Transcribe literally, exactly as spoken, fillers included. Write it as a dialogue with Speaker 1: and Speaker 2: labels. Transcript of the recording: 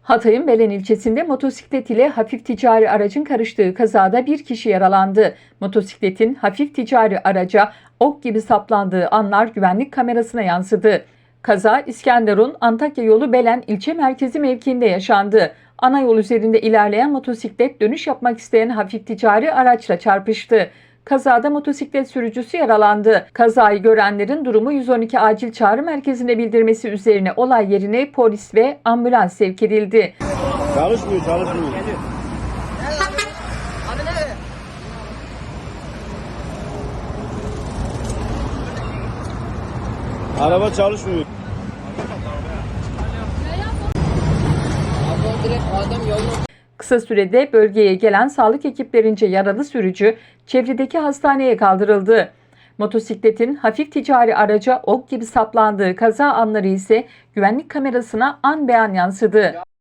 Speaker 1: Hatay'ın Belen ilçesinde motosiklet ile hafif ticari aracın karıştığı kazada bir kişi yaralandı. Motosikletin hafif ticari araca ok gibi saplandığı anlar güvenlik kamerasına yansıdı. Kaza İskenderun Antakya yolu Belen ilçe merkezi mevkiinde yaşandı. Ana yol üzerinde ilerleyen motosiklet dönüş yapmak isteyen hafif ticari araçla çarpıştı. Kazada motosiklet sürücüsü yaralandı. Kazayı görenlerin durumu yüz on iki acil çağrı merkezine bildirmesi üzerine olay yerine polis ve ambulans sevk edildi.
Speaker 2: Çalışmıyor, çalışmıyor. Araba çalışmıyor.
Speaker 1: Kısa sürede bölgeye gelen sağlık ekiplerince yaralı sürücü çevredeki hastaneye kaldırıldı. Motosikletin hafif ticari araca ok gibi saplandığı kaza anları ise güvenlik kamerasına an be an yansıdı.